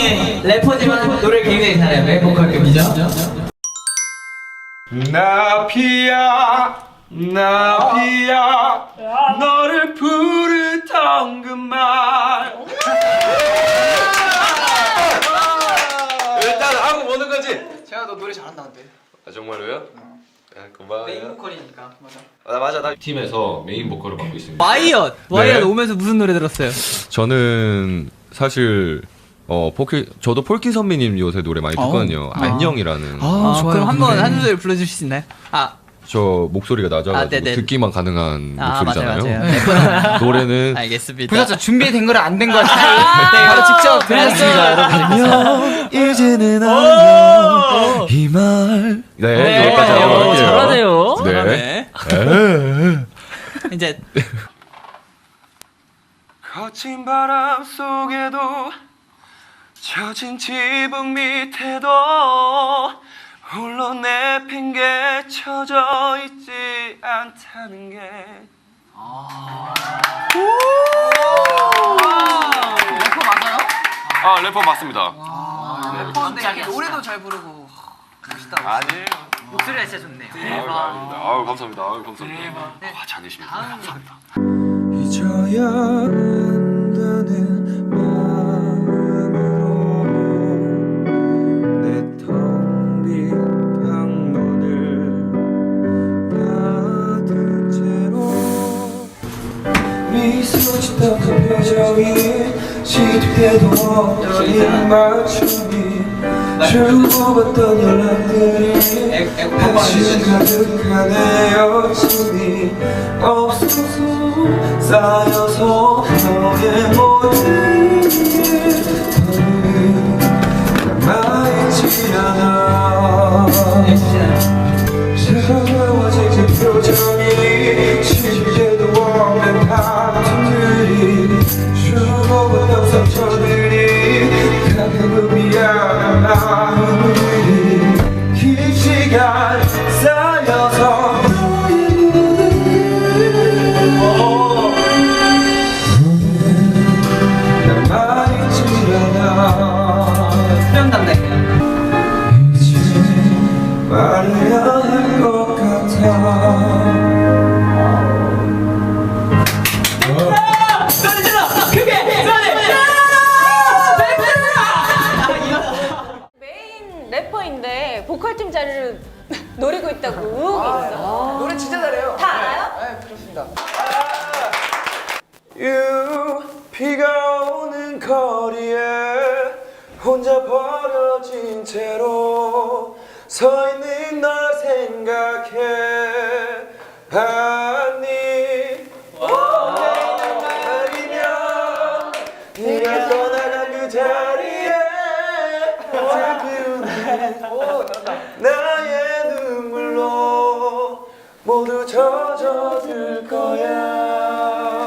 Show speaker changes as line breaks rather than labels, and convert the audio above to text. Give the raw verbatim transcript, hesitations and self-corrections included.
래퍼지만 노래 굉장히 잘해요. 멤버급이죠.
나비야 나비야 너를 부르던 그말 일단 하고 보는 거지?
제가 너 노래 잘한다는데.
아 정말로요? 어. 아, 고마워요.
메인 보컬이니까. 맞아.
아, 맞아 나 팀에서 메인 보컬을 맡고 있습니다.
와이엇 와이엇
네.
오면서 무슨 노래 들었어요?
저는 사실 어 폴키 저도 폴키 선배님 요새 노래 많이 듣거든요.
아.
안녕이라는.
아,
좋아요.
그럼 한번 한 소절 불러주실 수 있나요? 아,
저 목소리가 낮아가지고
아, 네네.
듣기만 가능한
아
목소리잖아요.
맞아요, 맞아요.
노래는
알겠습니다.
보셨죠? 준비된 거랑 안 된 거 차이.
네,
바로 직접
들었습니다,
들려줬습니다.
여러분.
이제는 안녕 이말 네,
네,
여기까지 하고
어,
갈게요.
잘하네요.
네.
잘하네. 이제
거친 바람 속에도 젖은 지붕 밑에도 홀로 내팽개쳐져 있지 않다는 게
래퍼 맞아요?
아 래퍼 맞습니다.
래퍼인데 이렇게 노래도 잘 부르고 멋있다.
아니에요.
목소리가 진짜 좋네요.
아유, 아닙니다. 아유 감사합니다. 아유 감사합니다. 와 잘내십니다. 감사합니다.
잊어야 한다는 마음으로 내 텅 빈 방문을 닫은 채로 미소 짓던 그 표정이 시도해도 없던 입맞춤이 주고받던 연락들이 한심 가득한 내 여친이 없어서 쌓여서 너의 모든 게 남아있지 않아 차가워진 그 표정이 쉽게도 없는 다툼들이 주고받던 상처들이 가끔은 미안한 마음들이 긴 시간 쌓여서 너의 모든 남아있지 않아
수련 담당이에요.
이제 말해야 할 것 같아
메인 래퍼인데 보컬팀 자리를 노리고 있다고 의혹이 있어.
노래 진짜 잘해요.
다 알아요?
네, 그렇습니다.
유 비가 오는 거리에 혼자 버려진 채로 서 있는 널 생각해 봤니 아니면 네가 떠나간 그 자리에 슬픈 나의 눈물로 모두 젖어들 거야